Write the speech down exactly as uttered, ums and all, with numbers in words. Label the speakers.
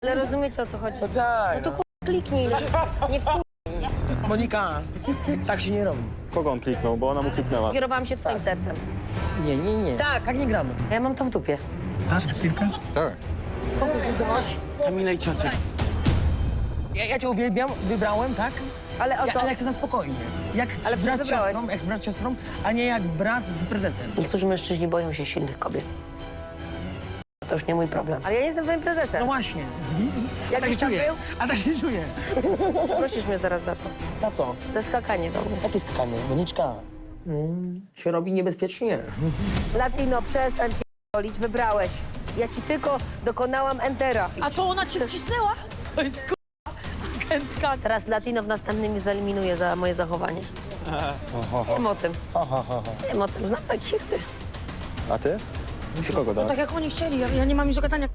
Speaker 1: Ale rozumiecie, o co chodzi?
Speaker 2: No tak.
Speaker 1: No to ku... kliknij, no. Nie w
Speaker 2: Monika, tak się nie robi.
Speaker 3: Kogo on kliknął? Bo ona mu kliknęła.
Speaker 1: Kierowałam się twoim sercem.
Speaker 2: Nie, nie, nie.
Speaker 1: Tak.
Speaker 2: Tak nie gramy.
Speaker 1: A ja mam to w dupie.
Speaker 2: Dasz chwilkę?
Speaker 3: Tak.
Speaker 2: Kogo ty masz?
Speaker 4: Kamila i ciocia.
Speaker 2: Ja, ja cię uwielbiam, wybrałem, tak?
Speaker 1: Ale o
Speaker 2: Ja,
Speaker 1: co?
Speaker 2: ale jak chcę na spokojnie. Jak z
Speaker 1: Ale przecież
Speaker 2: brat z
Speaker 1: wybrałeś.
Speaker 2: siostrą, jak z brat z siostrą, a nie jak brat z prezesem.
Speaker 1: Niektórzy mężczyźni boją się silnych kobiet. To już nie mój problem. Ale ja nie jestem twoim prezesem.
Speaker 2: No właśnie. A tak
Speaker 1: Jakiś
Speaker 2: się
Speaker 1: tam
Speaker 2: czuję.
Speaker 1: był?
Speaker 2: A tak się czuję.
Speaker 1: Prosisz mnie zaraz za to.
Speaker 2: Na co?
Speaker 1: Za skakanie do mnie.
Speaker 2: Jakie skakanie? Moniczka. Mm, się robi niebezpiecznie.
Speaker 1: Latino, przestań p***olić, wybrałeś. Ja ci tylko dokonałam entera.
Speaker 5: A to ona cię wcisnęła? To jest k***a agentka.
Speaker 1: Teraz Latino w następnym mnie zaeliminuje za moje zachowanie. Wiem o tym.
Speaker 2: Ha, ha, ha, ha.
Speaker 1: Wiem o tym. Znam takich ty.
Speaker 3: A ty? Czy kogo
Speaker 5: Tak
Speaker 3: dałeś?
Speaker 5: jak oni chcieli, ja, ja nie mam nic do gadania.